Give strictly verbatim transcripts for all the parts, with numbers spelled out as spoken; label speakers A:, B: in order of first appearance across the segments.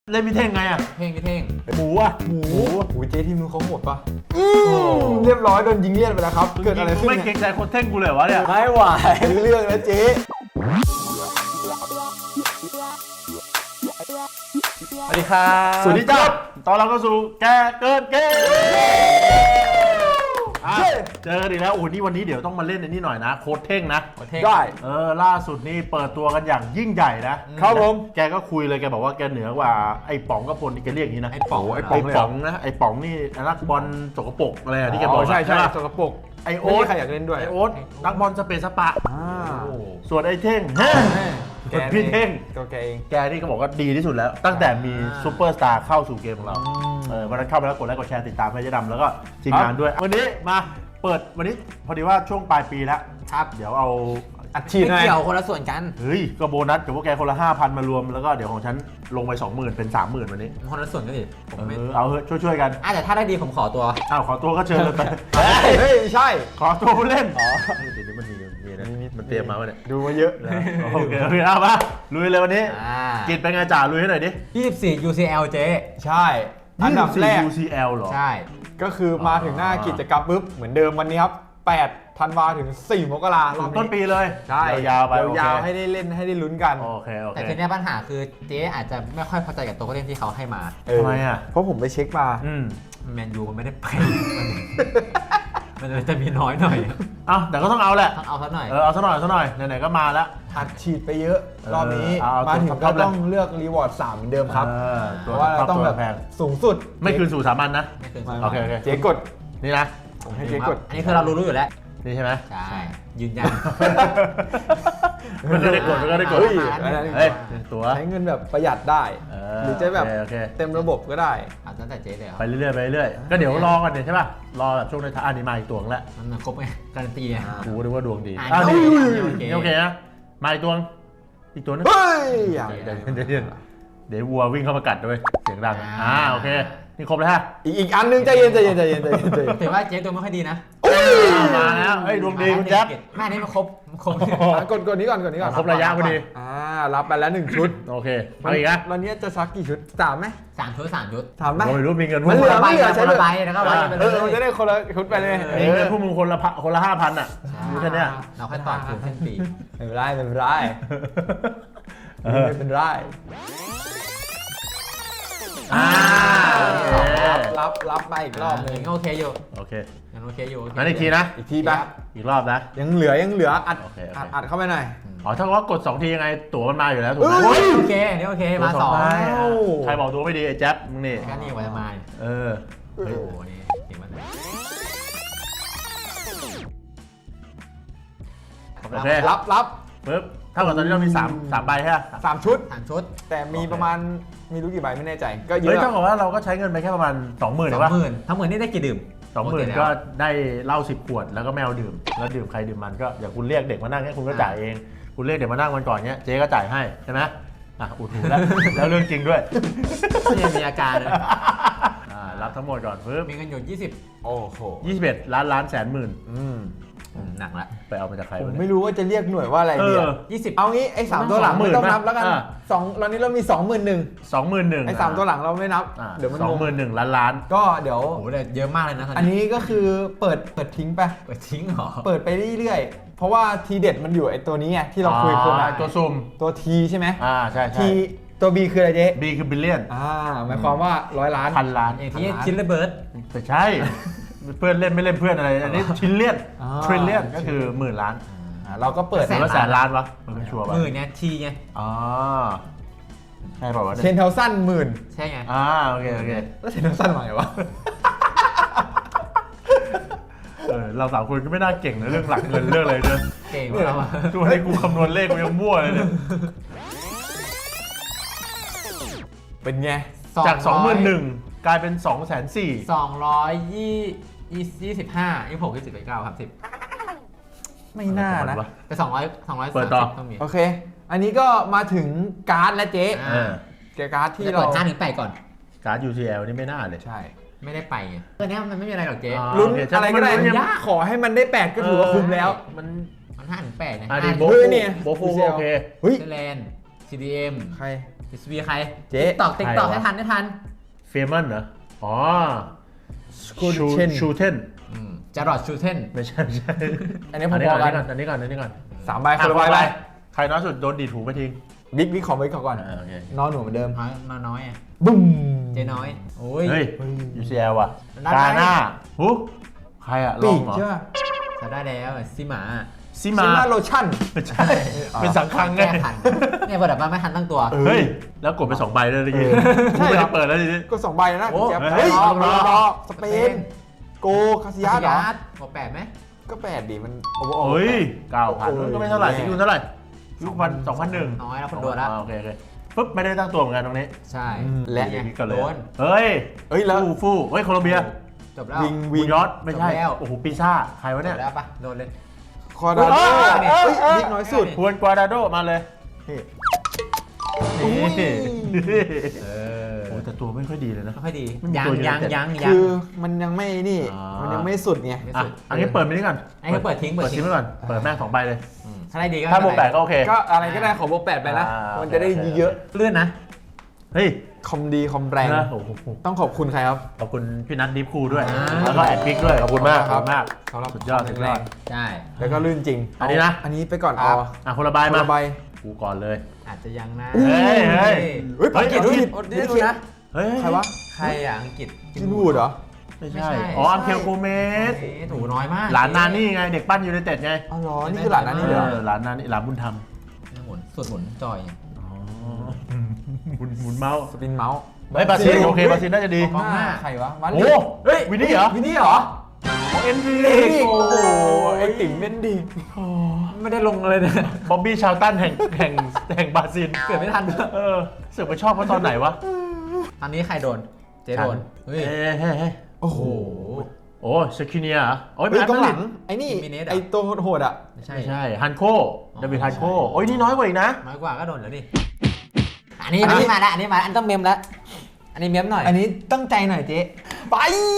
A: เล่นพี่เท่งไงอ่ะ
B: เท่งพี่เท่ง
A: หมูอ่ะ
C: หมูหูเจ๊ทีมนู้นเขาโหดปะเรียบร้อยโดนยิงเลี่ยนไปแล้วครับเกิดอะไรขึ้น
A: ไม่เกรงใจคนเท่งกูเลยวะเนี่ย
C: ไม่ไหวเรื่องแล้วเจ๊
A: สวัสดีครับสวัสดีจ้าตอนเราก็สู่แกเกินเกมเจอกันอีกแล้วโอ้โหนี่วันนี้เดี๋ยวต้องมาเล่นในนี่หน่อยนะโค้ดเท่งนะ
C: ได้
A: เออล่าสุดนี่เปิดตัวกันอย่างยิ่งใหญ่นะครับผมแกก็คุยเลยแกบอกว่าแกเหนือกว่าไอ้ป๋องกับพลนี่แกเรียกอย่างนี้นะ
B: ไอ้ป๋อง
A: ไอ้ป๋องป๋องนะไอ้ป๋องนี่นักบอลสกปรกอะไรที่แกบอก
C: ใช่ใช่
A: ปะ
C: สกปรก
A: ไอ
C: ไม่
A: โอ๊ต
C: มีใครอยากเล่นด้วย
A: ไอโอ๊ตนักบอลสเปซสปะ
C: อ่า
A: ส่วนไอ้เท่งส่วนพี่เท่ง
C: ตัวแกเอง
A: แกนี่ก็บอกว่าดีที่สุดแล้ว ตั้งแต่มีซูเปอร์สตาร์เข้าสู่เกมของเราเออวันนั้นเข้าไปแล้วกดไลค์กดแชร์ติดตามให้เจ๊ดำแล้วก็ทีมงานด้วย วันนี้มาเปิดวันนี้พอดีว่าช่วงปลายปีแล้วครับเดี๋ยวเอา
C: อัดฉีดหน่
B: ไม่
C: อย
B: เกี่ยวคนละส่วนกัน
A: เฮ้ยก็โบนัสกับพวกแกคนละห้าพันมารวมแล้วก็เดี๋ยวของฉันลงไปสองหมื่นเป็นสามหมื่นวันนี้
B: คนละส่วนกันดิผม
A: เอ
B: ไม่
A: อเอาเถอะช่วยๆกัน
B: อ่ะแต่ถ้าได้ดีผมขอตัว
A: อ้าวขอตัวก็เชิญเลยไป
C: เฮ้ยไม่ใช่
A: ขอตัวผู้เล่นอ๋อเดี๋ยวนี้มันมีมีนะมันเตรียมมาว่าเนี่ย
C: ดูมาเยอะ
A: โอเคโอเคเอามาลุยเลยวันนี้
B: อ่า
A: กิจเป็นไงจ่าลุยให้หน่อยดิ
B: ยี่สิบสี่ ยู ซี แอล เจ๊
C: ใช่อันดับแรก
A: ยู ซี แอล เหรอ
B: ใช่
C: ก็คือมาถึงหน้ากิจกรรมปุ๊บเหมือนเดิมวันนี้ครับแปดธันวาถึงสี่มกราคม
A: ต้นปีเลย
C: ใช่
A: ยาวๆไปโอเค
C: ยาวๆให้ได้เล่นให้ได้ลุ้นกัน
A: โอเคโอเค
B: แต่ทีเนี้ยปัญหาคือเจ๊อาจจะไม่ค่อยพอใจกับตัวผู้เล่นที่เขาให้มา
C: เออ
A: ทำไมอ่ะ
C: เพราะผมไปเช็คมา
A: อืม
B: แมนยูมันไม่ได้ไป มันเลยจะมีน้อยหน่อย
A: เอาแต่ก็ต้องเอาแหละ
B: ต้องเอาสักหน่อย
A: เออเอาซะหน่อยซะหน่อยไหนๆก็มาแล้ว
C: อัดฉีดไปเยอะ
A: เออ
C: รอบนี้
A: เอาเอา
C: มาถึง
A: ท็
C: ก็
A: อปๆเลย
C: ต้องเลือกรีวอร์ดสามเหมือนเดิมครับ
A: เออ
C: เพ
A: ตัว
C: ราะว่าเราต้องแบบ
A: แพง
C: สูงสุด
A: ไม่คืนสู่สามัญนะ
B: ไม่เกิน
C: ไม่
A: โอเคโอเค
C: เจ๊กด
A: นี่นะ
C: ผมให้เจ๊กด
B: อันนี้คือเรารู้ๆอยู่แล้ว
A: นี่ใช่ไหม
B: ใช่ ยืนยัน
A: ไม่เคยได้กดไม่เคยได้กด
C: เฮ้ย
B: อันนั้น
A: เฮ้ยตัว
C: ใช้เงินแบบประหยัดได้
A: เออ
C: หรือจะแบบ
A: โอเคโอเค
C: เต็มระบบก็ได้
B: เอาตั้งแต่เจ๊เลยเหรอ
A: ไปเรื่อยๆไปเรื่อยๆก็เดี๋ยวรอกันเนี่ยใช่ป่ะรอแบบช่วงในท้ายอันนี้มาอีกตัวนึงแล้ว
B: มันครบไงการันตีไง
A: กูนึกว่าดวงดี
B: อ่ะ
A: อ้าว
B: โอ
A: นี่
B: เคโอเค
A: นี่โอเคนะมาอีกตัวนึงอีกตัวนึง
C: เฮ้ยอย่าง
A: เดี๋ยวเดี๋ยวเดี๋ยวเดี๋ยววัววิ่งเข้ามากัดด้วยเสียงดัง
B: อ่า
A: อ่าโอเคนี่ครบแล้วฮะ
C: อีกอีกอันนึงใจเย็นใจเย็นใจเย็นใจเย็นใจเย็น
B: ถือว่าเจ๊ตัวไม่ค่อยดีนะ
A: มาแล้วเฮ้ยดวงดีคุณแจ๊บ
B: แม่นี่มันครบครบ
C: อ่ะกดกดนี้ก่อนกดนี้ก่อน
A: ครบระยะพอดี
C: อ่ารับไปแล้วหนึ่งชุด
A: โอเคเอาอีกนะ
C: วันนี้จะซักกี่ชุดสามไหม
B: สามชุดสามชุด
C: สามไหม
A: ผมไม่รู้มีเงิน
C: มันเหลือ
B: ใบ
C: ไม่เหลือ
B: ค
C: ใช้
B: น
C: เล
B: ละ
C: ย
B: ใบแล้วก็วัดกันไป
C: เอ
B: เล
C: อมันจะ
B: ย
C: ได้คนละชุดไปเลย
A: มีเงินพวกมึงคนละพันคนละห้าพันอ่ะมีแค่เนี้ย
B: เราค่อยต่อคืนเส้นปี
C: ไม่เป็นไรไม่เป็นไร
A: เออ
C: ไม่เป็นไร
A: อ่าโอเค
C: รับรับรับไปอีกรอบหนึง
B: ยังโอเคอยู่
A: โอเค
B: ยังโอเคอยู่
A: งั้นอีกทีนะ
C: อีกทีปะ
A: อีกรอบนะ
C: ยังเหลือยังเหลืออัด
A: โอเคโอเค
C: อัดอัดเข้าไปหน่อย
A: อ๋อถ้าว่ากดสองทียังไงตั๋วมันมาอยู่แล้วถูกไหม
C: เฮ้ย
B: โอเคนี่โอเคมาสอง
A: ใบ
C: เอ้า
A: ใครบอกตัวไม่ดีไอ้แจ๊บมึงนี่
B: ก็นี่กว่าจะมา
A: เออ
B: โอ้โหนี่เก่งมาก
A: โอเค
C: รับรับ
A: ปึ๊บเท่ากับตอนนี้เรามีสามสามใบใช่ไหม
C: สามชุด
B: สามชุด
C: แต่มี
A: โอเค
C: ประมาณมีรู้กี่ใบไม่แน่ใจ ก็เย
A: เฮ้ย
C: อะ
A: เท่ากับว่าเราก็ใช้เงินไปแค่ประมาณสองหมื่น
B: ส
A: ห
B: อ
A: รือง วะ
B: หมื่นทั้งหมื่นนี่ได้กี่ดื่ม
A: สองหมื่นก็ได้เหล้าสิบขวดแล้วก็แมวดื่มแล้วดื่มใครดื่มมันก็อย่างคุณเรียกเด็กมานั่งเนี่ยคุณก็จ่ายเอง คุณเรียกเด็กมานั่งวันก่อนเนี้ยเจ๊ก็จ่ายให้ใช่ไหมอ่ะอุดหูแล้ว แล้วเรื่องจริงด้วย
B: นี่มีอาการเลย
A: อ่ารับทั้งหมดก่อนปึ๊บ
B: มีเงินอยู่ยี่สิบ
C: โอ้โห
A: ยี่สิบเอ็ดล้านล้านแสนหมื่น
C: อืม
B: หนักละ
A: ไปเอามาจากใคร
C: ผม
A: วะ
C: ไม่
A: เนี่ย
C: รู้ว่าจะเรียกหน่วยว่าอะไร
A: เอ
C: ดี
A: อ
C: อะ
B: ยี่สิบ
C: เอางี้ไอ้สามตัวหลัง
A: สองหมื่
C: ไม่
A: น
C: ต้องนับแล้วกัน
A: อ่ะ
C: สองตอนนี้เรามีสองหมื่นหนึ่ง
A: สองหมื่นหนึ่ง
C: ไอ้สามตัวหลังเราไม่นับ
A: อ่า
C: เดี๋ยวมัน
A: สอง
C: ง
A: หมื่นหนึ่งล้านล้าน
C: ก็เดี๋ยว
B: โอ้โหแต่เยอะมากเลยนะตอน
C: อัน
B: นี้
C: นี้ก็คือเปิดเปิดทิ้งไป
B: เปิดทิ้งเหรอ
C: เปิดไปเรื่อยๆ เพราะว่าทีเด็ดมันอยู่ไอ้ตัวนี้ไงที่เราคุยคน
A: อ่า
C: ละ
A: ตัวซุ่ม
C: ตัวทีใช่ไหม
A: อ่าใช่ใช่
C: ทีตัว B คืออะไรเจ๊
A: บีคือบิลเลียน
C: อ่าหมายความว่าร้อยล้าน
A: พันล้าน
B: อย่างที่คิดระเบิด
A: แต่ใช่ เพื่อนเล่นไม่เล่นเพื่อนอะไรอันนี้ชิลเลียน
C: อ่า
A: ทริลเลียนก็คือหมื่นล้าน
C: อ่าเราก็เปิด
B: แส
A: หรือว่าแสนล้านวะมันไม่ชัวร์
B: ห
A: ป่ะ
B: มื่นเนี่ยทีไง
A: อ๋อใช่เปล่าวะ
C: เท
A: เนี่ย
C: นเทลสั้นหมื่น
B: ใช่ไง
A: อ่าโอเคโอเค
C: แล้วเทนเทลสั้นมาไงวะ
A: เออเราสามคนก็ไม่น่าเก่งในเรื่องหลักเงินเรื่องอะไรเลย
B: เก่งมากว่ะ
A: ตัวนี้กูคำนวณเลขกูยังมั่วเลยเนี่ย
C: เป็นไง
A: จากสองหมื่นหนึ่งกลายเป็นสองแสนสี่
B: สองร้อยยี่ยี่สิบห้ายี่สิบหกยี่สิบเก้าครับสิบ
C: ไม่น่านะ
B: แต่สองร้อยสองร้อย
A: เปิ
B: สาม
A: ดต่อ
B: สิบต้องมี
C: โอเค อันนี้ก็มาถึงการ์ดและเจ๊
B: อ่า
A: เออ
C: เกียร์การ์ดที่
B: จะ
C: เรา
B: เปิดห้าถึงแปดก่อน
A: การ์ด ยู ซี แอล นี่ไม่น่าเลย
C: ใช่
B: ไม่ได้ไปไงตัวเนี้ยมันไม่มีอะไรหรอกเจ๊
A: อ่า
C: ลุ้น
A: โอเค
C: อะไรก็ได้
A: มันยัง
C: ขอให้มันได้แปดก็ถือว่าคุ้มแล้ว
A: มัน
B: มันห้าถึงแปดนะ
A: อ่าดีโบ
C: เฮ้ยเนี่ย
A: โบฟูก็โอเค
C: เฮ้ย
B: เซเลน ซี ดี เอ็ม
C: ใคร
B: พี ซี บี ใคร
C: เจ๊
B: ตอกติ๊กตอก
A: ใครวะ
B: ให้ทันให้ทัน
A: เฟมันเหรออ๋อ
C: กูเชน
A: ชูเทน
B: จารอดชูเทน
A: ไม่ใช่ไม่ใช่
C: อันนี้
A: อันนี้
C: พ
A: ก่
C: อ
A: อน
C: ๆกัน
A: อันนี้ก่อนอันนี้ก่อน
C: สามใบคนละใบไป
A: ใครน้อยสุดโดนดีดหูไปทิ้ง
C: บิ๊กบิ๊กของบิ๊กก่อน
A: อ่าโอเค
C: นอนหนูเหมือนเดิม
B: น้อยน้อยน้อยอ่ะ
C: บึ้ม
B: เจ๊น้อยโอ้ย
A: เฮ้ย ยู ซี แอล ว่ะ
B: นั่นไง
A: กาหน้าหูใครอะล
C: ปี
A: อง
C: ก
A: เหรอ
C: ใช่ป่ะ
B: จะได้แล้วซิหมา
A: ซิ
C: ซิ
A: มา
C: มาโลชั่น
A: ไม่ใช่ เป็นสังคังไง
B: แก้ทันเนี่ยพอดับบ้านไม่ทันตั้งตัว
C: เออ
A: เฮ้ย แล้วกดไปสองใบเลยเมื่อกี้
C: ใช่
A: ไม่
C: เหร
A: ได้
C: อ
A: เปิดแล้วทีนี้
C: ก็สองใบแล้วนะ
B: โอ้
C: คุณแจ๊บ
A: เฮ้ย
C: รอ
A: รอ
C: รอสเปน โกคาซิยาสเหรอ
B: บอกแปดไหม
C: ก็แปดดิมันโอ้โห
A: เฮ้ยเก้าพัน
C: โอ้โห
A: ก็ไม่เท่าไหร่ที่คุณเท่าไหร่ลูกพันสองพันหนึ่ง
B: น้อยแล้วคนโดนแล้ว
A: โอเคโอเคปุ๊บไม่ได้ตั้งตัวเหมือนกันตรงนี้
B: ใช่
C: และ
B: เนี่ย
A: นี่ก็เลย
B: โดน
A: เฮ้ย
C: เฮ้ยแล้ว
A: ฟู่ฟู่เฮ้ยโคลอมเบีย
B: จบแล้ว
C: วิง
A: วิ
C: วิ
A: ง
C: ง
A: ยอดไม่ใช่
B: จบแล้ว
A: โอ้โหปีซ่าใครวะ
B: จ
A: เนี่ย
B: บแล้วปะโดนเลย
C: คอร์ดาโด
A: เอ้ย
C: เฮ้ย
A: เอ้ย
C: บิ๊กน้อยสุด
A: ควรกวาดาโดมาเลยนี่
C: อุ้ย
A: นี่
B: เออ
A: โอ้แต่ตัวไม่ค่อยดีเลยนะ
B: ไม่ค่อยดี
A: ไม่มี
B: ยัง
A: ตัวเยอะ
B: ยัง
A: แต่
B: ยังยั
C: คื
B: ง
C: อมันยังไม่นี่
A: อ่ามั
C: มันยังไม่สุดไง
B: ไม่
A: อ่ะ
B: สุด
A: อันนี้เปิดไปนี่ก่อน
B: อันนี้เปิดทิ้งเปิ
A: เปิ
B: ด
A: ด
B: ทิ้
A: ทิ้
B: ง
A: งไปก่อนเปิดแม่งสองใบเลย
B: อืมถ้าได้ดีก็
A: ถ้า
B: ไม่
A: บวก
B: เป็น
A: แป
B: ไร
A: ดก็โอเค
C: ก็อะไรก็ได้ขอบวกแปดไปนะ
A: อ่ามั
C: มันจะได้
A: โอเค
C: เยอะ
B: เลื่อนนะ
A: เฮ้ย
C: ๆคอมดีคอมแรง
A: นะโอ้โห
C: ต้องขอบคุณใครครับ
A: ขอบคุณพี่นัทดิฟคูด้วย
B: อ่า
A: แล้วก็แอดพิกด้วย ขอบคุณมาก ขอบคุณมาก
C: สำหรับ
A: สุดยอด
C: ความ
A: สุด
C: แข็ง
A: ย
C: แร
A: อด
C: ง
B: ใช่
C: แล้วก็ลื่นจริง
A: อันนี้นะ
C: อันนี้ไปก่อน
B: ครั
C: เอา
B: บ
A: อ่ะคนละใบ
C: คน
A: มา
C: ละใบ
A: กูก่อนเลย
B: อาจจะยังนะ
A: เฮ้ยเฮ้ย
C: เฮ้ย
A: เฮ้ย
C: ปากีส
A: เอา
C: ถา
A: ผิ
C: น
A: ด
B: ได้ดูนะ
A: เฮ้ย
C: ใครวะ
B: ใครอ่ะอังกฤษ
C: จินวูดเหรอ
A: ไม่
B: ไม่
A: ใช่
B: ใช่
A: อ๋ออังเคลโกเมส
B: เอ๊ะถูน้อยมาก
A: หลานนานี่ไง เด็กปั้นยูไนเต็ดไง
C: อ๋อเหรอ นี่คือหลานนั้นนี่เหรอ
A: เออหลานนานี่หลานบุญธรรม
B: หมุนสุดหมุนจอย
A: อ๋อหมุนหมุนเมาส์
C: สปินเมาส์
A: เฮ้ยบราซิลโอเคบราซิลน่าจะดี
C: กองหน้าใครวะมา
A: โอ้
C: เฮ้ย
A: วินนี่เหรอ
C: วินนี่เหรอ
A: เอ็นดี
C: เอกโอ้โหไอ้ติ๋งเม่นดี
B: ไม่ได้ลงเลยเนี่ย
A: บ๊อบบี้ชาวตันแห่งแห่งแห่งบราซิล
B: เกิดไม่ทัน
A: เออเสือกไปชอบเขาตอนไหนวะ
B: ตอนนี้ใครโดน เจ๊โดน เฮ้ย
A: เอ้ยเฮ้ยเฮ้ย
C: โอ้โห
A: โอ้เชคิเนียเหรอโอ้ย
C: เฮ้ย
A: แมน
C: กองหลัง
A: มาดริด
C: ไอ้นี่
B: มิเนสเหรอ
C: ไอ้ตัวโหดๆอ่ะ
B: ไม่ใช่
A: ไม่ใช่ฮันโค
B: อ๋อ
A: เดวิดฮันโค
B: ใช่
A: โอ้ยนี่น้อยกว่าอีกนะ
B: น้อยกว่าก็โดนแล้วดิ อันนี้อันนี้มาแล้วอันนี้มาแล้วอันต้องเมมแล้ว อันนี้เมมหน่อย
C: อันนี้ตั้งใจหน่อยเจ๊ไป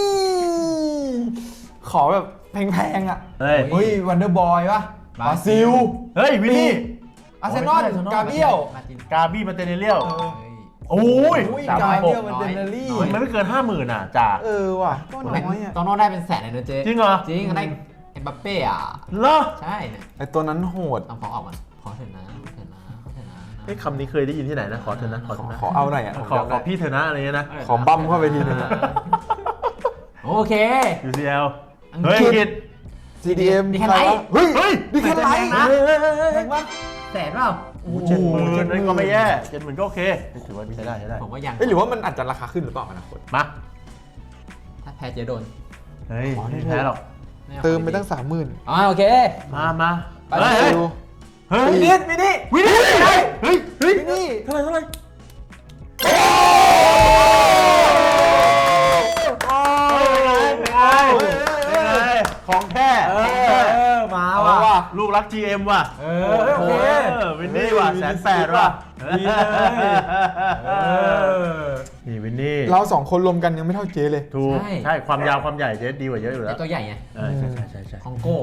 C: ขอแบบแพงๆอ่ะ
A: เฮ้ย
C: เฮ้ยวันเดอร์บอยปะบราซิล
A: เฮ้ยวินนี่
C: อาร์เซนอล
A: โอ้ยใช่
C: กาเบียล
B: มาจิน
A: กาบี้มาเตเนเลียว
C: เออ
B: เฮ้ย
A: โอ้ย
C: อุ้ย
A: สาม
C: กา
A: พันห
C: เบี
A: ก
C: ยลมันเดนเนอรี่
A: มันไม่เกินห้าหมื่นอ่ะจ่า
C: เออว่ะก็น้อยอ่ะ
B: ตอนโน้นได้เป็นแสนเลยนะเจ๊
A: จริงเหรอ
B: จริงเขาได้เอ็มบัปเป้อะ
A: เหรอ
B: ใช่เนี่ย
C: ไอตัวนั้นโหด
B: ต้องขอออกก่อนขอเถอะนะขอเถอะนะขอเถอะนะ
A: ไอ้ยคำนี้เคยได้ยินที่ไหนนะ ขอเธอนะ ขอ
C: ข
A: เธ
C: อ
A: อนะ
C: ขอเอาหน่อยอ่ะ
A: ขอขอพี่เธอนะอะไรเงี้ยนะ
C: ขอบั้มเข้าไปทีนึงอะ
B: โอเค
A: ยู ซี แอล
B: อังกฤษ
A: เฮ้ยอังกฤษ
C: ซี ดี เอ็ม
B: ดีแค่ไหน
C: เฮ้ย
A: เฮ้ย
C: ดีแค่ไหน
B: นะ
C: แพงปะ
B: แสนเปล่า
A: โอ้เจ็ดหมื่นนั่นก็ไม่แย่เจ็ดหมื่นก็โอเคถือว่าใช้ได้ใช้ได้
B: ผมว่ายัง
C: เอ้ยหรือว่ามันอาจจะราคาขึ้นหรือเปล่าอนาคต
A: มา
B: ถ้าแพ้เจ๊โดน
A: เฮ้ยไม่แพ้หรอก
B: อา
C: เติมไปตั้งสามหมื่น
B: อ๋อโอเค
A: มามา
C: ไป
A: เฮ้ย
C: ดู
A: เฮ้ย
C: วิ
A: เฮ้
C: นิ
A: ย
C: สวินิส
A: วินนี่เฮ้ยเฮ้ยเฮ้ย
C: วินี่
A: เท่าไหร่เท่าไหร่ของแท้ของแท้
B: มา
C: เอา
B: ว่ะ
C: ว่ะ
A: ลูกรัก จี เอ็ม ว่ะ
B: เออโอเค
A: วินนี่ว่ะแสนแปดว่ะ
B: ดีเลยเออ
A: นี่วินนี่
C: เราสองคนรวมกันยังไม่เท่าเจเลย
A: ถูก
B: ใช่
A: ใช่ความยาวความใหญ่เจ๊ดีกว่าเยอะอยู่แล้
B: ไอ้
A: ว
B: ตัวใหญ่ไง
A: เออใช่ใช่ใช่ใช่
B: คองโก้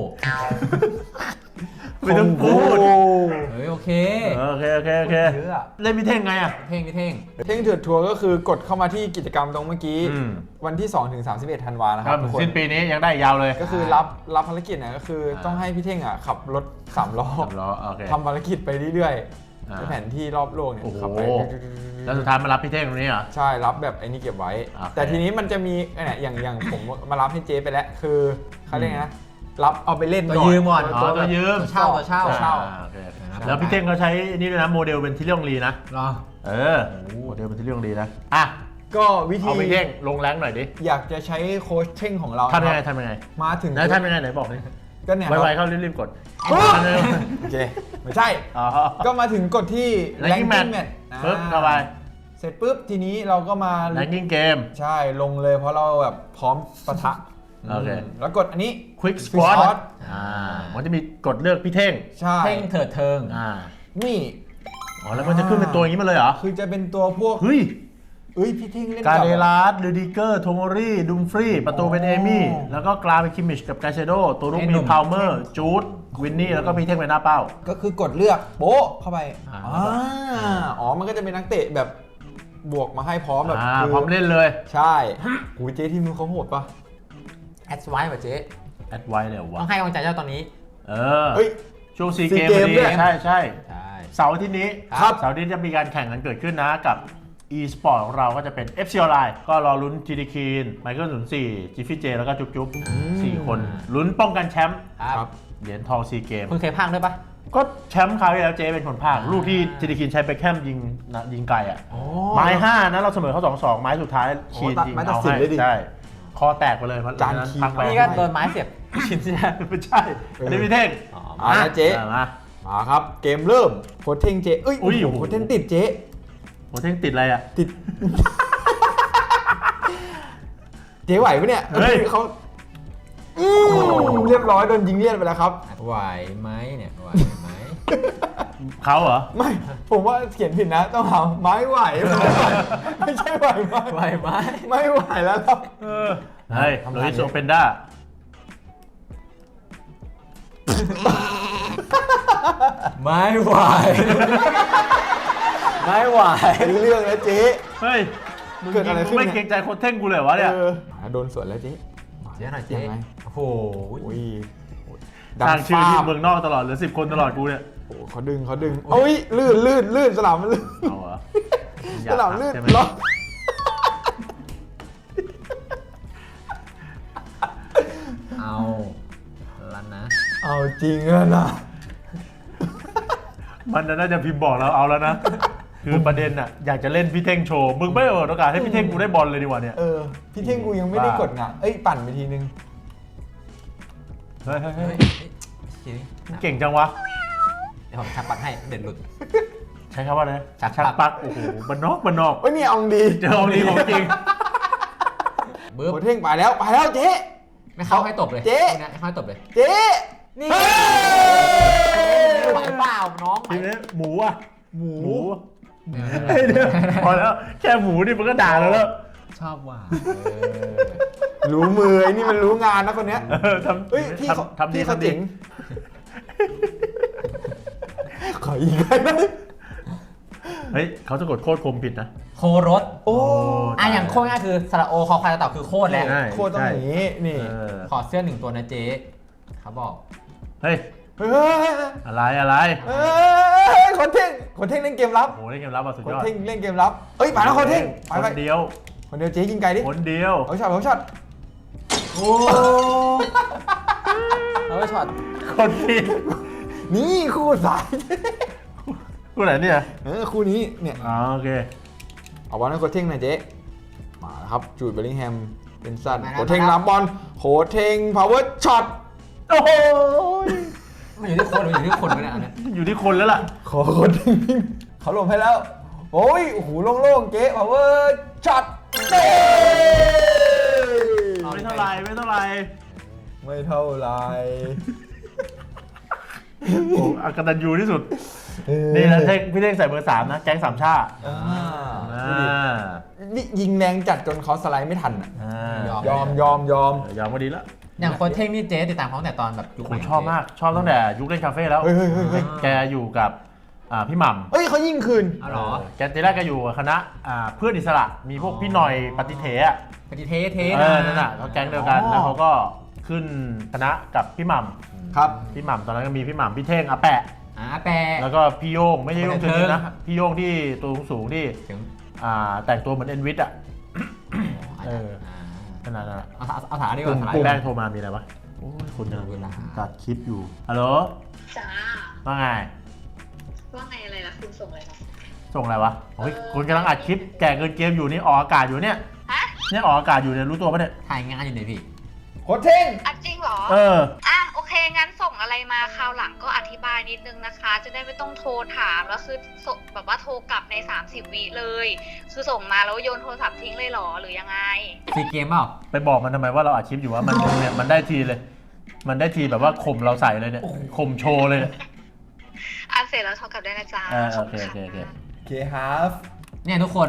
A: ไม่ต้องพูด
C: โอ้
B: เฮ้ยโอเค
A: เออโอเคโอเคโอเค
C: เยอะอะ
A: เล่นมิเท่งไงอ่ะ
B: เท่งพี่เท่ง
C: เท่งเถื่อนทัวร์ก็คือกดเข้ามาที่กิจกรรมตรงเมื่อกี้
A: อืม
C: วันที่สองถึงสามสิบเอ็ดธันวานะค
A: ค
C: รั
A: รั
C: บบ ทุกคน
A: สิ้นปีนี้ยังได้ยาวเลย
C: ก็คือรับรับภารกิจเนี่ยก็คือต้องให้พี่เท่งอ่ะขับรถสามล้อ
A: สามล้อโอเค
C: ทำภารกิจไปเรื่อย
A: อ่า
C: ๆในแผนที่รอบโลกเนี่ย
A: โอ้โห
C: ขับไป
A: แล้วสุดท้ายมารับพี่เท่งตรงนี้เหรอ
C: ใช่รับแบบไอ้นี่เก็บไว้
A: โอเค
C: แต่ทีนี้มันจะมีเนี่ยอย่างอย่างผมมารับให้เจ๊ไปแล้วคือเขาเรียกไงนะรับเอาไปเล่น
B: ตัว
C: ก่อน
B: ยืมก่อน
A: อ๋อตัวยืม
B: ตัวเช่าตัวเช่า
C: เช่า
A: อ่โอเคแล้วพี่เท่งเขาใช้นี่ด้วยนะโมเดลเป็นที่เรื่องลีนะ
B: เหรอ
A: เออโมเดลเป็นที่เรื่องลีนะอ่ะ
C: ก็วิธี
A: เอาพี่เท่งลงแรงหน่อยดิ
C: อยากจะใช้โค้ชเท่งของเรา
A: ทำยังไง
C: นะครับ
A: ทำยังไง
C: มาถึง
A: แล้วทำยังไงไหนบอกดิ
C: ก็เนี่ย
A: ไวๆ
C: ครับ
A: เข้ารีบๆกด
C: โอเคไม่ใช่
A: อ๋อ
C: ก็มาถึงกดที่
A: Ranking Match
C: Match
A: ปึ๊บเข้าไป
C: เสร็จปุ๊บทีนี้เราก็มา
A: แรงกิ้งเกม
C: ใช่ลงเลยเพราะเราแบบพร้อมปะทะ
A: โอเค
C: มแล้วกดอันนี้
A: Quick
C: Quick
A: Squad
C: Squad
A: อ่ามันจะมีกดเลือกพี่เท่ง
C: ใช่
B: เท่งเถิดเทิง
A: อ่า
C: นี่
A: อ๋อแล้วมันจะขึ้นเป็นตัวอย่างนี้มาเลยเหรอ
C: คือจะเป็นตัวพวก
A: เฮ้ย
C: เอ้ยพี่เท่งเล่น
A: กา
C: กับ
A: เดลาสลูดิเกอร์ โทโมรีดุมฟรีประตูเป็นเอมี่ แล้วก็กลางเป็นคิมมิชกับกาเชโด ตัวลุกมีพาวเมอร์ จูด วินนี่ แล้วก็พี่เท่งเป็นหน้าเป้า
C: ก็คือกดเลือกโป๊ะเข้าไป
B: อ่า
C: อ่าอ๋อมันก็จะเป็นนักเตะแบบบวกมาให้พร้อมแบบ
A: อ่า
C: คื
A: พร้อมเล่นเลย
C: ใช่หูเจ๊ทีมนู้นเขาโหดปะ
B: แอดไว้ป่ะเจ๊
A: แอดไว้เลยวะ
B: ต้องให้กำลังใจเจ้าตอนนี้
A: เออ
C: เฮ้ย
A: ช่วงซี
C: ซี
A: เกม
C: เก
A: พ
C: ม
A: อดี
C: ด้วย
A: ใช่ใช่
B: ใช่
A: เสาร์อาที่นี้
C: ครับ
A: เสาร์อาที่จะมีการแข่งกันเกิดขึ้นนะกับ e-sport ของเราก็จะเป็น เอฟ ซี Online ก็รอลุ้นจีดีคีนไมเคิลศูนย์สี่จิฟฟี่เจแล้วก็จุ๊บจุ๊บสี่คนลุ้นป้องกันแชมป์
B: ครับ
A: เหรียญทองซีเกม
B: คุณเคยพากย์ด้วยปะ
A: ก็แชมป์คราวที่แล้วเจเป็นคนพากย์
B: อ่า
A: ลูกที่จีดีคีนใช้ไปแคมยิงนะยิงไกลอ่ะ
C: อ๋อ
A: ไม้ห้านะเราเสมอเขาสองสองไม้สุดท้ายคีน
C: โอ้ตัด
A: ยิง
C: ไม้ตัด
A: เอา
C: สิน
A: ให้
C: เลยดิ
A: ใช่คอแตกไปเลยเพระ
C: จาน
A: นั้น
C: คีน
A: พักไป
B: นี่ก็โดนไม้เสียบชิ้นใช่ไหม
A: ไม่ใช่อันนี้พี่เท่ง
B: อ๋อ
C: เอาละเจ๊
A: อ่ะมา
C: มาครับเกมเริ่มโคชเท่งเจ๊เอ้ย
A: อุ้ย
C: โอ้โหโคชเท่งติดเจ๊
A: โหเท่งติดอะไรอ่ะ
C: ติด เจ๊ไหวปะเนี่ย
A: เฮ้ย
C: เขาอืมเรียบร้อยโดนยิงเลียนไปแล้วครับ
B: ไหวไหมเนี่ยไหวไหม
A: เขาเหรอ
C: ไม่ ผมว่าเขียนผิดนะ ต้องเอาไม้ไหว ไม่ใช่ไหวไหม
B: ไหวไหม
C: ไม่ไหวแล้วครับ
A: เออเฮ้ย
C: ทำ
A: โร
C: งาน
A: อิส
C: ดิ
A: โอเปนด้า
B: ไม่ไหวไม่ไหว
C: เป็นเรื่องแล้วเจ๊
A: เฮ้ยมึง
C: เกิดอะไรขึ้น
A: ไม่
C: เนี่ย
A: เกรงใจโคนเท่งกูเลยวะเนี่ย
C: เออโดนสวนแล้วเจ๊
B: เจ๊หน่อยเจ๊
C: ยังไง
B: โอ้โห
C: โอ้ย
A: สร้างชื่อที่
C: ฟ้าบ
A: เมืองนอกตลอดเหลือสิบคนตลอดกูเนี่ย
C: โอ้โหเขาดึงเขาดึงโอ้ยลื่นลื่นลื่นสนามมันลื่น
A: เอาเหรอ
C: สนามลื่น
A: ใช่ไหม
C: ล็อก
B: เอาลันนะ
C: เอาจริงอะนะ
A: มันน่าจะพิมพ์บอกเราเอาแล้วนะ คือประเด็นอ่ะอยากจะเล่นพี่เท่งโชว์ มึงไม่เปิดโอกาสให้พี่เท่งกูได้บอลเลยดีกว่าเนี่ย
C: เออพี่เท่งกูยังไม่ได้กดงะเอ้ยปั่นไปทีนึง
A: เฮ้ยเฮ้ย
B: เฮ้
A: เฮ้
B: ย
A: ย
B: เฮ้ย
A: มึงเก่งจังวะ
B: เดี๋ยวผมชักปักให้เด็ดหลุด
A: ใช้คำว่าอะไร
B: ชัก
A: ชัก
B: ปัก
A: ปัก โอ้โหบันนอกบันนอก
C: เอ้ยนี่เอาดี
A: เจอองลีของจริง
B: บึ้ม
C: โคเท่งไปแล้วไปแล้วเจ๊
B: ไม่เข้าให้ตบเลย
C: เจ๊
B: พวกนี้ให้เข้าให้ตบเลย
C: เจ๊
B: นี่ไหวเปล่าน้องไหว
A: ทีนี้หมูอ่ะ
C: หมู
A: หมูเฮ้ยเดี๋ยวพอแล้ว แค่หมูนี่มันก็ด่าเราแล้ว
B: ชอบว่ะ
C: รู้มือไอ้นี่มันรู้งานนะคนเนี้ย
A: เออทำ
C: เฮ้ยที่เขา
A: ทำทำดี
C: ที่เขา
A: ทำดี
C: เจ๋งขออีกได้ไหม
A: เฮ้ยเขาจะกดโคตรคมผิดนะ
B: โครส
C: โอ้
B: อ่ะอย่างโคตรง่ายคือสระโอคอควายตะเต่าคือโคตรแหละ
A: ใช่
C: โคตรต้องอย่างนี้นี่
A: เออ
B: ขอเสื้อหนึ่งตัวนะเจ๊เขาบอก
A: เฮ้ย
C: เฮ้ย
A: อะไรอะไร
C: เฮ้ยคนเท่งคนเท่งเล่นเกมรับ
A: โอ้โหได้เกมรับมาสุด
C: คน
A: ยอด
C: เท่งเล่นเกมรับเอ้ยไปแล้วคนเท่งไป
A: ค
C: ไป
A: นเดียว
C: คนเดียวเจ๊ยิงไกลดิ
A: คนเดียว
C: เอาช็อตเอาช็อตโอ้
B: เอาไปช็อต
A: คนเดียว
C: นี่คู่สาย
A: กูไหนเนี่ย
C: เออคู่นี้เนี่ย
A: อ๋อโอเค
C: เอาบอลให้โคชเท่งหน่อยเจ๊มาแล้วครับจูดเบลลิงแฮมเป็นสั้นโคชเท่งรับบอลโคชเท่งพาวเวอร์ช็อต
A: โอ้โห
B: มันอยู่ที่คนมันอยู่ที่คนไปเนี่ยอันเนี้ย
A: อยู่ที่คนแล้วล่ะ
C: ขอโคชเท่งวิ่งเขาลงให้แล้วโอ้ยโอ้โหโล่งๆเจ๊พาวเวอร์ช็อตเต้
A: ไม่เท่าไรไม่เท่าไร
C: ไม่เท่าไร
A: โอ้โหอากตันยูที่สุด นี่นะเท่งพี่เท่งใส่เบอร์สามนะ แก๊งสามชา
C: อ่า
A: อ่า
C: ดูดินี่ยิงแรงจัดจนเขาสไลด์ไม่ทันอ่ะ
A: อ่าย
C: อมยอมยอม
A: เออยอมก็ดีแล้ว
B: อย่างโคนเท่งนี่เจ๊ติดตามเขาตั้งแต่ตอนแบบยุค
A: ผ
B: ไหน
A: มชอบมาก ชอบตั้งแต่ยุคเล่นคาเฟ่แล้ว
C: เฮ้ยเฮ้ยเฮ้ยเฮ้ย
A: แกอยู่กับอ่าพี่หม่ำ
C: เฮ้ยเขายิงคืน
B: อ๋อเหรอ
A: แกทีแรกแกอยู่กับคณะอ่าเพื่อนอิสระ มีพวกพี่หน่อยปฏิเถอะ
B: ปฏิเทเท
A: เออนั่นน่ะเขาแก๊งเดียวกัน
C: อ๋อ
A: แล้วเขาก็ขึ้นคณะกับพี่หม่
C: ครับ
A: ำพี่หม่ำตอนนั้นก็มีพี่หม่ำพี่เท่งอาแปะ
B: อ่าแปร
A: แล้วก็พี่โยงไม่ใช่โยง
B: คน
A: เชิ
B: ใน
A: ญ
B: เทิง
A: นะ พี่โยงที่ตัวสูงๆที่
B: ถึง
A: อ่าแต่งตัวเหมือนเอ็นวิทอ่ะ
B: อาจ
A: เอ
B: จะ
A: อ ขนาดนั้นอะ
B: เอาเอาเอาถามดีกว่าถาม
A: ปุ่ม
B: ดีก
A: แป้
B: ว่าง
A: โทรมามีอะไรวะโอ้ยคุณกำลัง
B: เวลา
A: ตัดคลิปอยู่ฮัลโหล
D: จ้า
A: ว่าไง
D: ว่าไงอะไรนะคุณส่งอะไรมา
A: ส่งอะไรวะโอ้ยคุณกำลังอัดคลิปแก่เกินเกมอยู่นี่ออกอากาศอยู่เนี่ย
D: ฮะ
A: เนี่ยออกอากาศอยู่เนี่ยรู้ตัวปะเนี่ย
B: ถ่ายงานอยู่ไหนพี่
C: โคชเท่ง
D: อ่ะจริงเหรอ
A: เออ
D: อ่ะโอเคงั้นส่งอะไรมาคราวหลังก็อธิบายนิดนึงนะคะ จะได้ไม่ต้องโทรถามแล้วคือส่งแบบว่าโทรกลับในสามสิบวิเลย คือส่งมาแล้วโยนโทรศัพท์ทิ้งเลยเหรอหรือยังไง
B: ซีเกมเปล่า
A: ไปบอกมันทำไมว่าเราอัดคลิปอยู่ว่ามันเนี่ยมันได้ทีเลย มันได้ทีแบบว่าข่มเราใส่เลยเนี่ยข่มโชว์เลยเนี่ย
D: อ่ะเสร็จแล้วโทรกลับได้นะจ๊ะ
A: เออโอเคโอเคโอเค
C: เคฮาฟ
B: เนี่ยทุกคน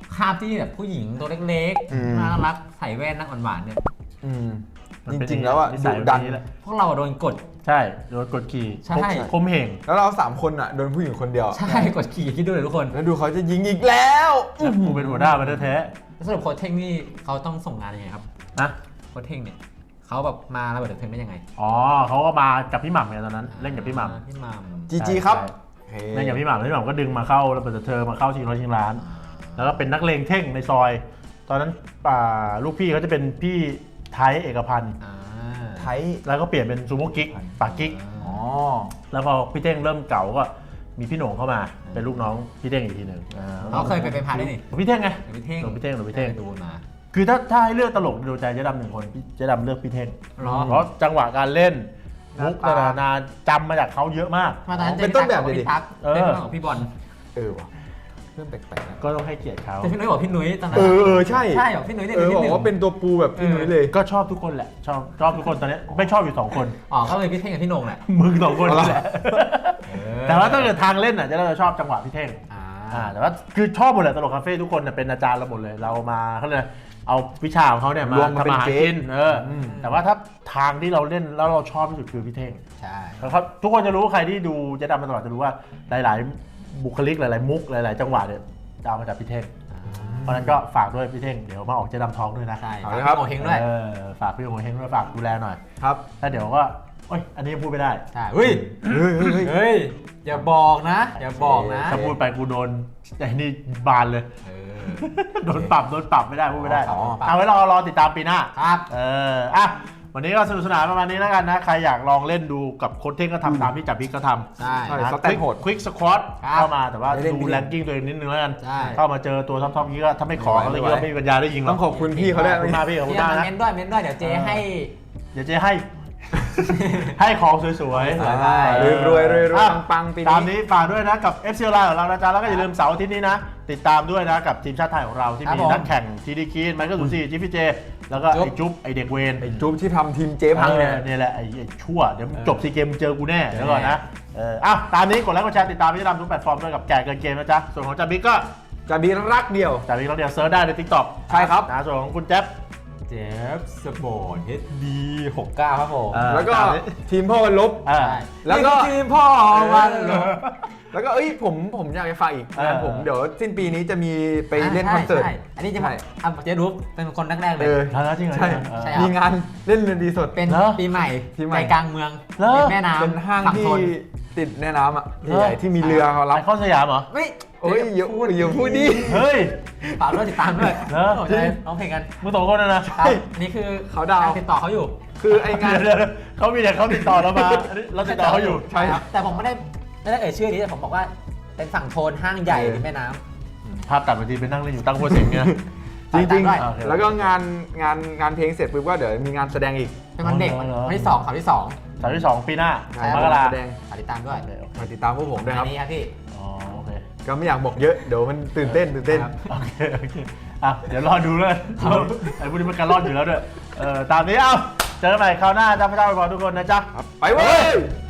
B: ภาพที่แบบผู้หญิงตัวเล็ก
C: อืม
B: ๆน่ารักใส่แว่นนั่งหวานๆเนี่ย
C: อืม
A: มัน
C: จ
A: เป็น
C: ริงๆแล้วอ่ะ
A: นิ
C: ดุ
A: สัย
C: ดัน
A: แบบนี้แหละ
B: พวกเราโดนกด
A: ใช่โดนกดขี่
B: ใช่
A: คมเหง
C: แล้วเราสามคนอ่ะโดนผู้หญิงคนเดียว
B: ใช่กดขี่คิดดูเลยทุกคน
C: แล้วดูเขาจะยิงอีกแล้ว
A: แล้วกูเป็นหัวหน้ามันแท้
B: แล้วสรุปโค้ชเท่งนี่เขาต้องส่งงานยังไงครับ
A: ๆนะ
B: โค้ชเท่งเนี่ยเขาแบบมาระเบิดเถิดเทิงได้ยังไง
A: อ๋อเขาก็มากับพี่หม่ำไงตอนนั้นเล่นกับพี่หม่ำ
B: อ่าพี่หม่ำ
C: จีจีครับ
A: ใช่เล่นกับพี่หม่ำพี่หม่ำก็ดึงมาเข้าแล้วเปิดเธอมาเข้าชิงร้อยชิงล้าน แล้วก็เป็นนักเลงเท่งในซอย ตอนนั้นอ่าลูกพี่เขาจะเป็นพี่ไทยเอกพันธ์
B: อ่า
C: ไทย
A: แล้วก็เปลี่ยนเป็นซูโม่กิ๊กปากกิ๊ก
C: อ๋อ
A: แล้วพอพี่เท่งเริ่มเก่าก็มีพี่โหน่งเข้ามาเป็นลูกน้องพี่เท่งอีกทีหนึ่งอ่
B: เขาเคยไปเป็นพาร์ทด้วยนี่
A: พี่เท่งไง
B: เดี๋ยวพี่เท่ง
A: หลวงพี่เท่งหลวงพี่เท่ง
B: ดูมา
A: คือถ้าถ้าให้เลือกตลกดูใจเจ๊ดำหนึ่งคนพี่เจ๊ดำเลือกพี่เท่ง
B: หรอ
A: เพราะจังหวะการเล่นมุก
C: หน้าตา
A: นานาจำมาจากเขาเยอะมาก
B: มาตอนนั้น
C: เป็นต้นแบบเลยดิ
B: พี่ตั๊ก
A: เออ
B: เป็นน้องของพี่บอล
C: เออว่ะเรื่องแปลกๆนะ
A: ก็ต้องให้เกียรติเขา
B: แต่พี่นุ้ยบอกพี่นุ้ยตอนนั้น
C: เออเออใช่
B: ใช่บอกพี่นุ้ยเนี่ย
C: เออ
B: พี่
C: บอ
B: หนึ่
C: ก
B: ง
C: ว่าเป็นตัวปูแบบพี่นุ้ยเลย
A: ก็ชอบทุกคนแหละชอบชอบทุกคนตอนนี้ไม่ชอบอยู่สองคน
B: อ๋อก็เลยพี่เท่งกับพี่โหน่งแหละ
A: มึงสองคน
C: เอาละ
A: แหละแต่ว่าถ้าเกิดทางเล่นอ่ะเจะเราจะชอบจังหวะพี่เท่ง
B: อ่า
A: อ่าแต่ว่าคือชอบหมดเลยตลกคาเฟ่ทุกคนเนี่ยเป็นอาจารย์เราหมดเลยเรามาเขาเลยกเอาวิชาของเขาเนี่ยมาร
C: วมมาเป็น
A: ทำอาหาร
C: เก
A: กิ
C: ม
A: นเอออ
C: ม
A: แต่ว่าถ้าทางที่เราเล่นแล้วเราชอบที่สุดคือพี่เท่ง
B: ใช่
A: แล้วครับทุกคนจะรู้ใครที่ดูเจ๊ดำมาตลอดจะรู้ว่าหลาย ๆ บุคลิกหลาย ๆ มุกหลาย ๆ จังหวะเนี่ยจะเอามาจากพี่เท่งเพราะฉะนั้นก็ฝากด้วยพี่เท่งเดี๋ยวมาออกเจ๊ดำท้องด้วยนะ
B: ใช่
C: เอา
B: ฝาก
C: เลยครับ
B: พี่โงเฮงด้วย
A: เออฝากพี่โงเฮงด้วยฝากดูแลหน่อย
C: ครับ
A: แล้วเดี๋ยวก็โอ้ยอันนี้ยังพูดไม่ได้
B: ใช่เฮ้ย
C: เฮ้ยเฮ้ยเฮ้ย
B: เฮ้ยอย่าบอกนะ อย่าบอกนะ
A: ถ้าพูดไปกูโดนไอ้นี่บานเลย
B: เออ
A: โดนปรับโดนปรับไม่ได้พูดไม่ได้
B: อ๋อปรับ
A: เอาไว้รอรอติดตามปีหน้า
B: ครับ
A: เอออ่ะวันนี้ก็สนุกสนานประมาณนี้แล้วกันนะ ใครอยากลองเล่นดูกับโค้ชเท่งก็ทำตามที่จับพิกก็ทำ
B: ใช่
C: ใช่
A: นะ
C: สแตนโหด
A: ควิกสควอต
B: ครับ
A: เข้ามาแต่ว่า
C: ได้เล่น
A: ดู
C: ดี
A: แรงกิ้งตัวเองนิดนึงแล้วกัน
B: ใช่
A: เข้ามาเจอตัวท็อปๆนี้ก็ถ้าไม่ขอเขาเลย
C: ไม่ไหว
A: ก็ไม่มีปัญญาได้ยิงหร
C: ต้
A: อ
C: อก งขอบคุณพี่เขาด้วย
A: ขอบคุณมากพี่ขอบคุ
B: พี่
A: ณ
B: เอา
A: มาก
B: มา
A: นะ
B: เม้นด้วยเม้นด้วยเดี๋ยวเจให้
A: เดี๋ยวเจ๊ให้ ให้ของสวยๆ
B: สวยๆ
C: อ่ารวยรวยรวยรวย
A: อ่ะ
C: ปังๆปี
A: ตาม
C: นี้
A: นี้ฝากด้วยนะกับ เอฟ ซี Live ของเรานะจ๊ะแล้วก็อย่าลืมเสาร์อาทิตย์นี้นะ ติดตามด้วยนะกับทีมชาติไทยของเราที่
B: ครับ
A: มี
B: ผม
A: นักแข่งทีดีคีนไมเคิลศูนย์สี่จิฟฟี่เจ แล้วก็
B: จุ๊บ
A: ไอ้จุ๊บไอ้เด็กเวน
C: ไอ้จุ๊บที่ทำทีมเจ๊พังเนี่ย
A: ออเนี่ยแหละไอ้ไอ้ชั่ว เดี๋ยวจบซีเกมเจอกูแน่เดี๋ยวก่อนนะเอออ่ะตามนี้กดไลค์กดแชร์ติดตามพี่ดำทุกแพลตฟอร์มด้วยกับแก่เกินเกมนะจ๊ะส่วนของจาบิ๊กก็
C: จะมีรักเดียว
A: จาบิ๊กเราเดียวเซิร์ชได้ในทิกตอก
C: ใช่ครับ
A: นะส่วนของคุณแจ๊บ
B: เจฟสปอร์ตเฮดดีหกเก้าครับผม
A: เออ
C: แล้วก็
A: ตามนี้
C: ทีมพ่อวันลบ
A: อ่า
B: ใช่
C: แล้วก็
B: นี่คือทีมพ่อวันลบ
C: แล้วก็เอ้ยผมผมอยากจะฝากอีก
A: เออ
C: งานผมเดี๋ยวสิ้นปีนี้จะมีไปเล่นคอนเสิร์ต
B: ใช่ใช่อันนี้จะ
C: ใช่
B: อ่ะเจรูปเป็นคนแรกๆเล
C: เอย อ
A: แล้วจริงเหรอ
C: ใช่
A: เออ
B: ใช่ ครับ
C: มีงานเล่นดนตรีสด
B: เป็น
A: เหรอ
B: ปีใหม่
C: ปีใหม่
B: ใจกลางเมือง
A: เหรอ
B: ริมแม่น้ำ
C: เป็นห้าง
B: ฝั่
C: ที่
B: ทน
C: ติดแม่น้ำอ่ะ
A: เหรอ
C: ใหญ่ๆที่มีเรือเขารับ
A: ไอคอนสยามเหรอ
B: เฮ้ย
C: โอ้ยอย่าพูดอย่าพูดดิ
A: เฮ้ย
B: ฝากด้วยติดตามด้วย
A: เหรอ
B: โอ้ยร้องเพลงกัน
A: มึงสองคนนะนะ
B: ครับอันนี้คือ
C: เขาดาวน์
B: กรติดต่อเขาอยู่
C: คือไองาน
A: เดี๋ยวเดี๋ยวเขามีแต่เขาติดต่อเรามาอันนี้เราติดต่อเขาอยู่
C: ใช่ครับ
B: แต่ผมไม่ได้ไม่ได้เอ่ยชื่อนี้แต่ผมบอกว่าเป็นฝั่งโทนห้างใหญ่ริมแม่น้ำ
A: ภาพตัดบางทีไปนั่งเล่นอยู่ตั้งโพสเสียงเนี่ย
C: จริง
B: ตามด้วย
A: โอเค
C: ๆ แล้วก็งานงานงานเพลงเสร็จปุ๊บก็เดี๋ยวมีงานแสดงอีก
B: เป็นวันเด็ก
A: อ๋อเหรอ
B: วันที่สองข่าวที่สอง
A: สามที่สองปีหน้า
C: ใช่
A: มกรา
C: แสดง
B: ฝากติดตามด้วย
A: โอเคโอเค
C: มาติดตามพวกผมด้วยครับ
B: อันนี้ครับพี่
A: อ๋อโอเค
C: ก็ไม่อยากบอกเยอะเดี๋ยวมันตื่นเต้นตื่นเต้น
B: ครับ
A: โอเคโอเคอ่ะเดี๋ยวรอดูเลยไอ้พวกนี้มันการรอดอยู่แล้วด้วยเออตามนี้เอ้าเจอกันใหม่คราวหน้าจ้าพระเจ้าอวยพรทุกคนนะจ๊ะ
C: ไปเว้ย